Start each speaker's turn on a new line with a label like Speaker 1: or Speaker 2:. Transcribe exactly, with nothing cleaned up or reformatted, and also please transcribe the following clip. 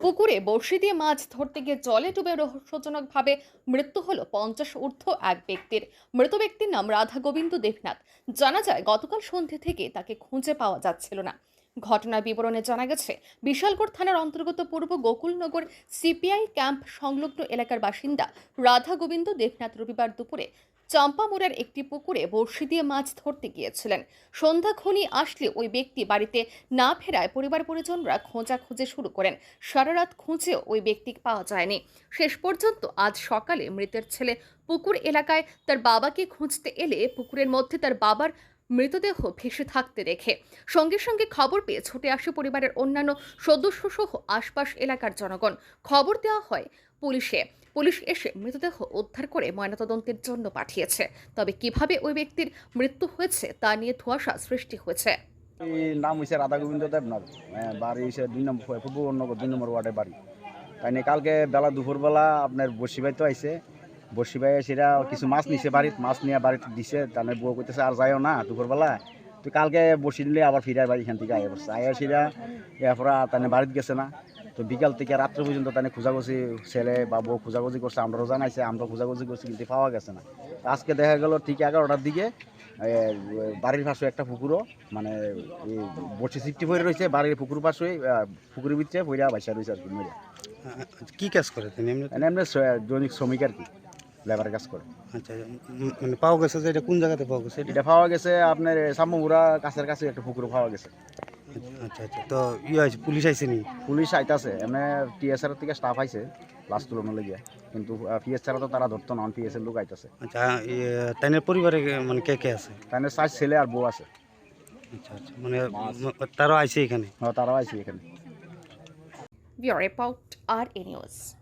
Speaker 1: পুকুরে বড়শি দিয়ে মাছ ধরতে গিয়ে জলে ডুবে রহস্যজনকভাবে মৃত্যু হলো পঞ্চাশ ঊর্ধ্ব এক ব্যক্তির। মৃত ব্যক্তির নাম রাধা গোবিন্দ দেবনাথ। জানা যায় গতকাল সন্ধ্যে থেকে তাকে খুঁজে পাওয়া যাচ্ছিল না। ঘটনার বিবরণে জানা গেছে, বিশালগড় থানার অন্তর্গত পূর্ব গোকুলনগর সিপিআই ক্যাম্প সংলগ্ন এলাকার বাসিন্দা রাধা গোবিন্দ দেবনাথ রবিবার দুপুরে চম্পামুড়ার একটি পুকুরে বড়শি দিয়ে মাছ ধরতে গিয়েছিলেন। সন্ধ্যা ঘনিয়ে আসলে ওই ব্যক্তি বাড়িতে না ফেরায় পরিবার পরিজনরা খোঁজাখুঁজি শুরু করেন। সারা রাত খুঁজেও ওই ব্যক্তি পাওয়া যায়নি। শেষ পর্যন্ত আজ সকালে মৃতের ছেলে পুকুর এলাকায় তার বাবাকে খুঁজতে এলে পুকুরের মধ্যে তার বাবার মৃতদেহ ভেসে থাকতে দেখে সঙ্গে সঙ্গে খবর পেয়ে ছুটে আসে পরিবারের অন্যান্য সদস্য সহ আশপাশ এলাকার জনগণ। খবর দেওয়া হয় পুলিশে। পুলিশ এসে মৃতদেহ উদ্ধার করে ময়নাতদন্তের জন্য পাঠিয়েছে। তবে কিভাবে ওই ব্যক্তির মৃত্যু হয়েছে তা নিয়ে ধোঁয়াশা সৃষ্টি হয়েছে।
Speaker 2: এই নাম হয়েছে রাধা গোবিন্দ দেবনাথ। বাড়ি হচ্ছে দুই নম্বর পূর্বনগর দুই নম্বর ওয়ার্ডের বাড়ি। তাই নিয়ে কালকে বেলা দুপুরবেলা আপনার বর্ষি ভাই তো আইসে। বর্ষি ভাই সেটা কিছু মাছ নিছে বাড়িতে, মাছ নিয়ে বাড়িতে দিছে। তাহলে বউ করতেছে আর যাইও না দুপুরবেলা, তো কালকে বর্ষি নিলে আবার ফিরে বাড়ি এখান থেকে আয়া পড়ছে। আয়া সেটা এরপরে তাহলে বাড়িতে গেছে না। তো বিকাল থেকে রাত্রে পর্যন্ত তাহলে খোঁজাখুঁজি ছেলে বা বউ খোঁজাখুঁজি করছে, আমরাও জানাইছে, আমরা খোঁজাখুঁজি করছি, কিন্তু পাওয়া গেছে না। আজকে দেখা গেল ঠিক এগারোটার দিকে বাড়ির পাশে একটা পুকুরও মানে বসে সিফটি পড়ে রয়েছে, বাড়ির পুকুর পাশে পুকুরের ভিতরে পড়া বাইসা রয়েছে আর কি মরে।
Speaker 3: কি কাজ করে তিনি? এমনি
Speaker 2: এমনি দৈনিক শ্রমিক আর কি, লেবারের কাজ করে।
Speaker 3: আচ্ছা, মানে পাওয়া গেছে যে এটা কোন জায়গাতে পাওয়া গেছে?
Speaker 2: এটা পাওয়া গেছে আপনার সাম্মুরা কাছের কাছে একটা পুকুর পাওয়া গেছে।
Speaker 3: আচ্ছা আচ্ছা, তো ইয়ে আছে, পুলিশ আইছে নি?
Speaker 2: পুলিশ আইতাছে, এমনি টিএসআর থেকে স্টাফ আইছে লাস্ট তুলনা লেগে, কিন্তু পিএস ছাড়া তো তারা ধরতো না, পিএস এর লোক আইতাছে।
Speaker 3: আচ্ছা, তাইনের পরিবারে মানে কে কে আছে?
Speaker 2: তাই চার ছেলে আর বউ আছে।
Speaker 3: আচ্ছা আচ্ছা, মানে তারাও আইছে এখানে?
Speaker 2: হ্যাঁ, তারাও আইছে এখানে।
Speaker 1: ব্যুরো রিপোর্ট আর এ নিউজ।